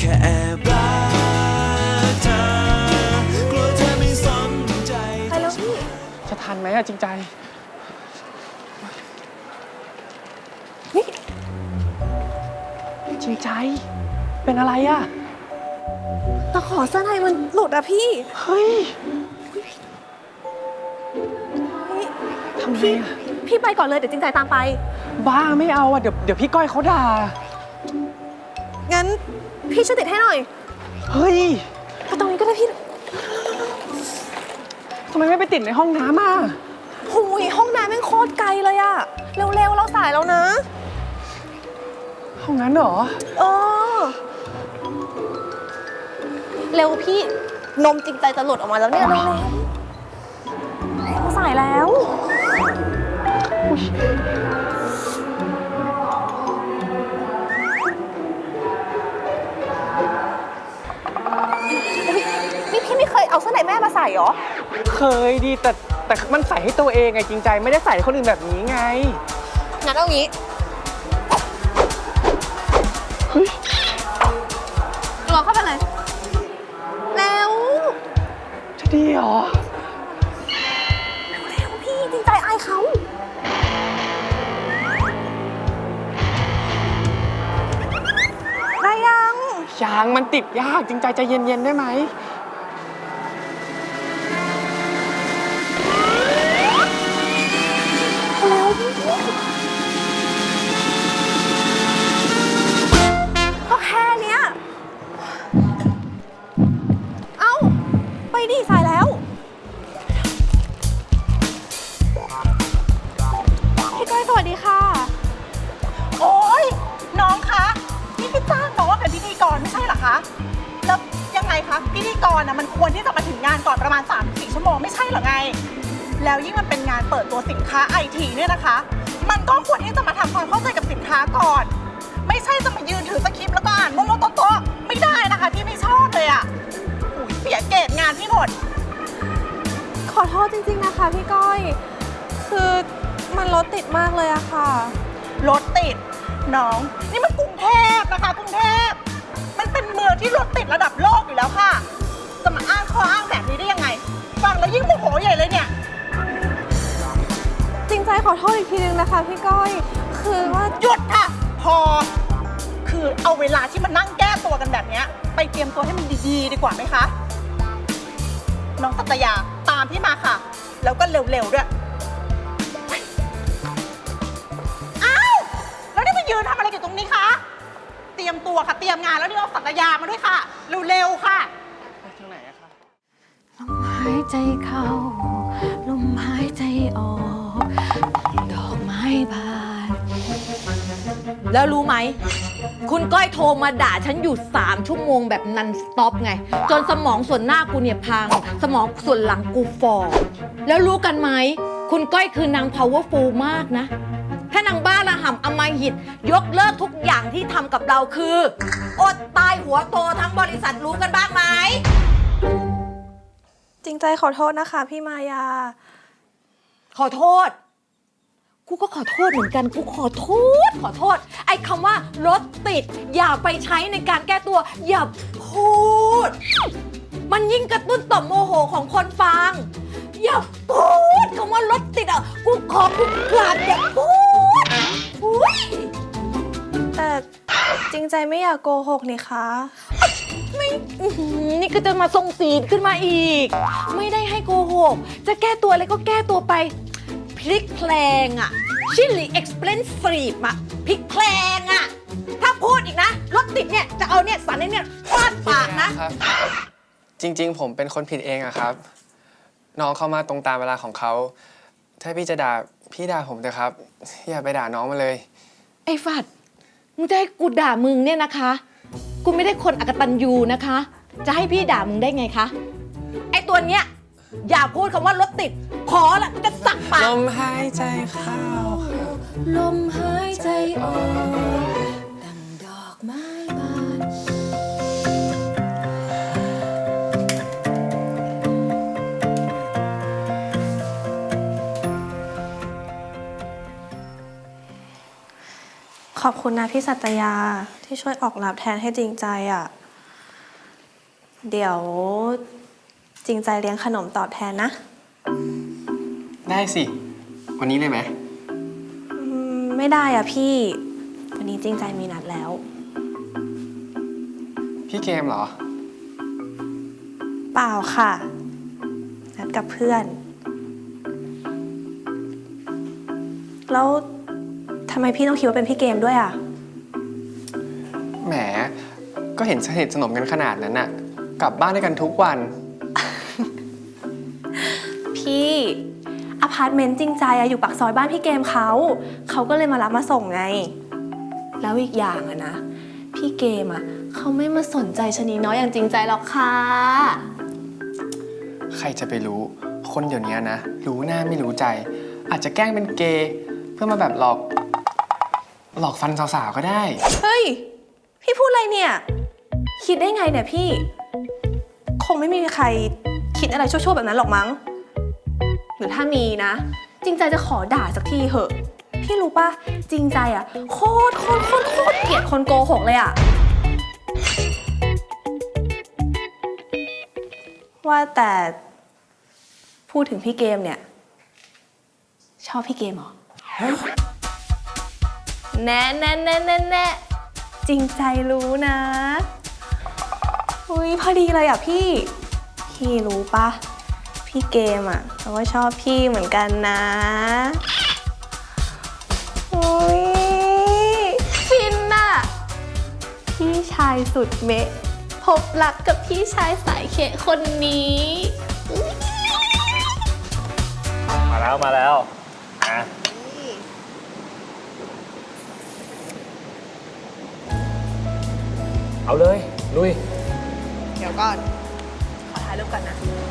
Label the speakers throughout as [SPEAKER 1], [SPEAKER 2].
[SPEAKER 1] ค่แอบรักเธอกลัวเธอไม่สนใจ
[SPEAKER 2] ไปแล้วพี่
[SPEAKER 3] จะทันไหมอะจริงใจ
[SPEAKER 2] นี่
[SPEAKER 3] จริงใจเป็นอะไรอะ
[SPEAKER 2] ตะขอเสื้อในมันหลุดอะพี่
[SPEAKER 3] เฮ้ยทำไงอะ
[SPEAKER 2] พี่ไปก่อนเลยเดี๋ยวจริงใจตามไป
[SPEAKER 3] บ้าไม่เอาอะเดี๋ยวพี่ก้อยเขาด่า
[SPEAKER 2] งั้นพี่ช่วยติดให้หน่อย
[SPEAKER 3] เฮ้ย
[SPEAKER 2] ไปตรงนี้ก็ได้พี่
[SPEAKER 3] ทำไมไม่ไปติดในห้องน้ำอะ
[SPEAKER 2] หูยห้องน้ำแม่งโคตรไกลเลยอะเร็วๆเราสายแล้วนะ
[SPEAKER 3] ห้องนั้นเหรอ
[SPEAKER 2] เร็วพี่นมจริงใจจะหลุดออกมาแล้วเนี่ยเร็วเราสายแล้วนี่พี่ไม่เคยเอาเสื้อในแม่มาใส่หรอ
[SPEAKER 3] เคยดีแต่มันใส่ให้ตัวเองไงจริงใจไม่ได้ใส่ให้คนอื่นแบบนี้ไง
[SPEAKER 2] งั้นเอางี้รอเข้าไปเลยแล้ว
[SPEAKER 3] จะดีเหรอ
[SPEAKER 2] เร็วพี่จริงใจอายเขาได้
[SPEAKER 3] ยังมันติดยากจริงใจใจเย็นๆได้ไหม
[SPEAKER 2] แล้วก็แค่เนี้ยเอ้าไปดิสายแล้วพี่ก้อยสวัสดีค่ะ
[SPEAKER 4] โอ๊ยน้องคะนี่พี่จ้างน้องว่าเป็นพิธีกรไม่ใช่เหรอคะแล้วยังไงคะพิธีกรนะมันควรที่จะมาถึงงานก่อนประมาณ 3-4 ชั่วโมงไม่ใช่เหรอไงแล้วยิ่งมันเป็นงานเปิดตัวสินค้าไอทีเนี่ยนะคะมันก็ควรที่จะมาทำความเข้าใจกับสินค้าก่อนไม่ใช่จะมายืนถือสคริปต์แล้วก็อ่านโมโมโต๊ะไม่ได้นะคะพี่ไม่ชอบเลยอ่ะเสียเกรดงานพี่หมด
[SPEAKER 2] ขอโทษจริงๆนะคะพี่ก้อยคือมันรถติดมากเลยอะค่ะ
[SPEAKER 4] รถติดน้องนี่มันกรุงเทพนะคะกรุงเทพมันเป็นเมืองที่รถติดระดับโลกอยู่แล้วค่ะจะมาอ้างข้ออ้างแบบนี้ได้ยังไงฟังแล้วยิ่งโมโหใหญ่เลยเนี่ย
[SPEAKER 2] จริงใจขอโทษอีกทีนึงนะคะพี่ก้อยคือว่า
[SPEAKER 4] หยุดค่ะพอคือเอาเวลาที่มันนั่งแก้ตัวกันแบบนี้ไปเตรียมตัวให้มันดีๆดีกว่าไหมคะน้องสัตยาตามพี่มาค่ะแล้วก็เร็วๆด้วยอ้าวแล้วนี่มายืนทำอะไรอยู่ตรงนี้คะเตรียมตัวค่ะเตรียมงานแล้วนี่เอาสัตยามาด้วยค่ะเร็วๆค่ะ
[SPEAKER 3] ไปทางไหนอะคะ
[SPEAKER 5] ลมหายใจเข้าลมหายใจออกดอกไม้บาน
[SPEAKER 6] แล้วรู้ไหมคุณก้อยโทรมาด่าฉันอยู่3 ชั่วโมงแบบนันสต็อปไงจนสมองส่วนหน้ากูเนี่ยพังสมองส่วนหลังกูฟอแล้วรู้กันไหมคุณก้อยคือนาง powerful มากนะถ้านางบ้าระห่ำอำมหิตยกเลิกทุกอย่างที่ทำกับเราคืออดตายหัวโตทั้งบริษัทรู้กันบ้างไหม
[SPEAKER 2] จริงใจขอโทษนะคะพี่มายา
[SPEAKER 6] ขอโทษกูก็ขอโทษเหมือนกันกูขอโทษไอ้คำว่ารถติดอย่าไปใช้ในการแก้ตัวอย่าพูดมันยิ่งกระตุ้นต่อมโมโหของคนฟังอย่าพูดคำว่ารถติดอ่ะกูขอกูกราบอย่าพูดอุ้ย
[SPEAKER 2] แต่จริงใจไม่อยากโกหกนี่คะ
[SPEAKER 6] ไม่นี่ก็จะมาทรงศีลขึ้นมาอีกไม่ได้ให้โกหกจะแก้ตัวอะไรก็แก้ตัวไปพลิกแพลงอะชิลลี่เอ็กซ์เพรสฟรีบอะพลิกแพลงอะถ้าพูดอีกนะรถติดเนี่ยจะเอาเนี่ยสันเนี่ยฟาดปากนะ
[SPEAKER 7] จริงๆผมเป็นคนผิดเองอะครับน้องเข้ามาตรงตามเวลาของเขาถ้าพี่จะด่าพี่ด่าผมเถอะครับอย่าไปด่าน้องมาเลย
[SPEAKER 6] ไอ้ฟัดมึงจะให้กูด่ามึงเนี่ยนะคะกูไม่ได้คนอกตัญญูนะคะจะให้พี่ด่ามึงได้ไงคะไอ้ตัวเนี้ยอย่าพูดคำว่ารถติดขอละกูจะสักปาก
[SPEAKER 7] ลมหายใจเข้า
[SPEAKER 5] ลมหายใจออกดังดอกไม้บาน
[SPEAKER 2] ขอบคุณนะพี่สัตยาที่ช่วยออกรับแทนให้จริงใจอ่ะเดี๋ยวจริงใจเลี้ยงขนมตอบแทนนะ
[SPEAKER 7] ได้สิ วันนี้เลยไหม
[SPEAKER 2] ไม่ได้อ่ะพี่ วันนี้จริงใจมีนัดแล้ว
[SPEAKER 7] พี่เกมเหรอ
[SPEAKER 2] เปล่าค่ะ นัดกับเพื่อน แล้วทำไมพี่ต้องคิดว่าเป็นพี่เกมด้วยอ่ะ
[SPEAKER 7] แหม ก็เห็นสนิทสนมกันขนาดนั้นน่ะ กลับบ้านด้วยกันทุกวัน
[SPEAKER 2] พี่อพาร์ตเมนต์จริงใจอะอยู่ปากซอยบ้านพี่เกมเขาก็เลยมารับมาส่งไง แล้วอีกอย่างอะนะ พี่เกมอะเขาไม่มาสนใจชะนีน้อยอย่างจริงใจหรอกค่ะ
[SPEAKER 7] ใครจะไปรู้ คนเดี๋ยวนี้นะ รู้หน้าไม่รู้ใจ อาจจะแกล้งเป็นเกย์เพื่อมาแบบหลอกฟันสาวๆก็ได้
[SPEAKER 2] เฮ้ย พี่พูดอะไรเนี่ย คิดได้ไงเนี่ยพี่ คงไม่มีใครคิดอะไรชั่วๆแบบนั้นหรอกมั้ง หรือถ้ามีนะ จริงใจจะขอด่าสักทีเหอะ พี่รู้ปะจริงใจอะโคตรเกลียดคนโกหกเลยอะว่าแต่พูดถึงพี่เกมเนี่ย ชอบพี่เกมเหรอ แน่จริงใจรู้นะอุ้ยพอดีเลยอ่ะพี่รู้ปะพี่เกมอ่ะเขาก็ชอบพี่เหมือนกันนะอุ้ยฟินน่ะพี่ชายสุดเมะพบรักกับพี่ชายสายเขคนนี้อุ๊ย
[SPEAKER 8] มาแล้วนะเอาเลย ลุย
[SPEAKER 2] เดี๋ยวก่อน ขอถ่ายรูปก่อนนะ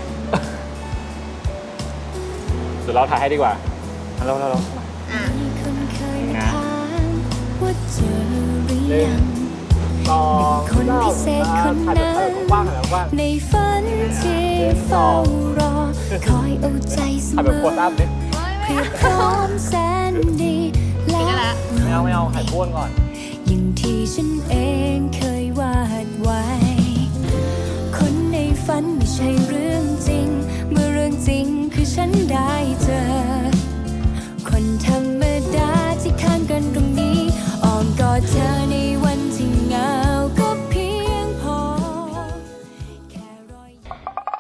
[SPEAKER 8] เดี๋ยวเราถ่ายให้ดีกว่าเรา
[SPEAKER 5] คนเคย
[SPEAKER 8] นะ
[SPEAKER 5] ถามว่าเจอหรือยัง
[SPEAKER 8] ต่อ
[SPEAKER 5] คนพิเศษคนนั้น
[SPEAKER 8] ว่างๆว่าง
[SPEAKER 5] ในฝันที่เฝ้ารอ คอยเอาใจเส
[SPEAKER 8] ถ่าย
[SPEAKER 5] ม
[SPEAKER 8] แบบ
[SPEAKER 5] อ
[SPEAKER 8] โพสต์อัพดิ
[SPEAKER 5] เพียบพร้อมแสนดีและ
[SPEAKER 8] ไม่เอาถ่ายพ้วนก่อน
[SPEAKER 5] อย่างที่ฉันเองเคยวาดไว้ คนในฝันไม่ใช่เรื่องจริง เมื่อเรื่องจริงคือฉันได้เจอ คนธรรมดาที่ข้างกันตรงนี้อ้อมกอดเธอในวันที่เหงาก็เพียงพอแค่รอยยิ้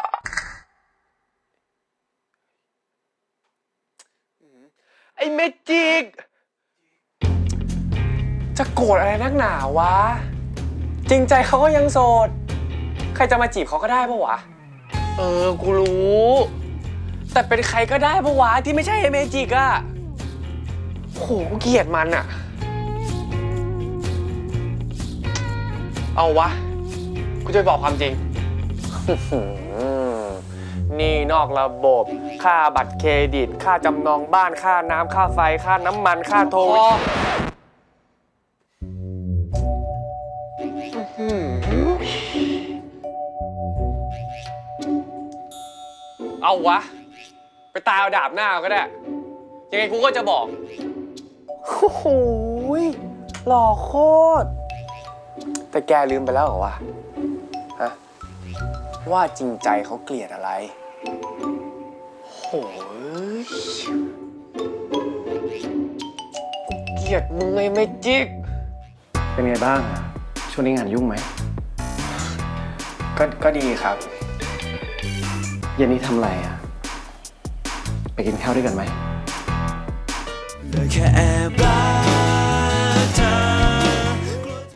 [SPEAKER 5] ม
[SPEAKER 7] ไอ้เมจิก จะโกรธอะไรนักหนาวะ จริงใจเขาก็ยังโสด ใครจะมาจีบเขาก็ได้ปะวะ กูรู้ แต่เป็นใครก็ได้ปะวะที่ไม่ใช่ไอ้เมจิกอะโหกูเกลียดมันอะเอาวะ กูจะไปบอกความจริง นี่นอกระบบ ค่าบัตรเครดิต ค่าจำนองบ้าน ค่าน้ำ ค่าไฟ ค่าน้ำมัน ค่าโทรเอาวะ ไปตายเอาดาบหน้าก็ได้ ยังไงกูก็จะบอก โอ้โหหล่อโคตร แต่แกลืมไปแล้วเหรอวะ ฮะ ว่าจริงใจเขาเกลียดอะไร โหยกูเกลียดมึงไงไม่จิก
[SPEAKER 3] เป็นไงบ้าง ช่วงนี้งานยุ่งไหม
[SPEAKER 7] ก็ดีครับ
[SPEAKER 3] เย็นนี้ทำอะไรอ่ะ ไปกินข้าวด้วยกันไหม
[SPEAKER 1] ได้แค่แอบรั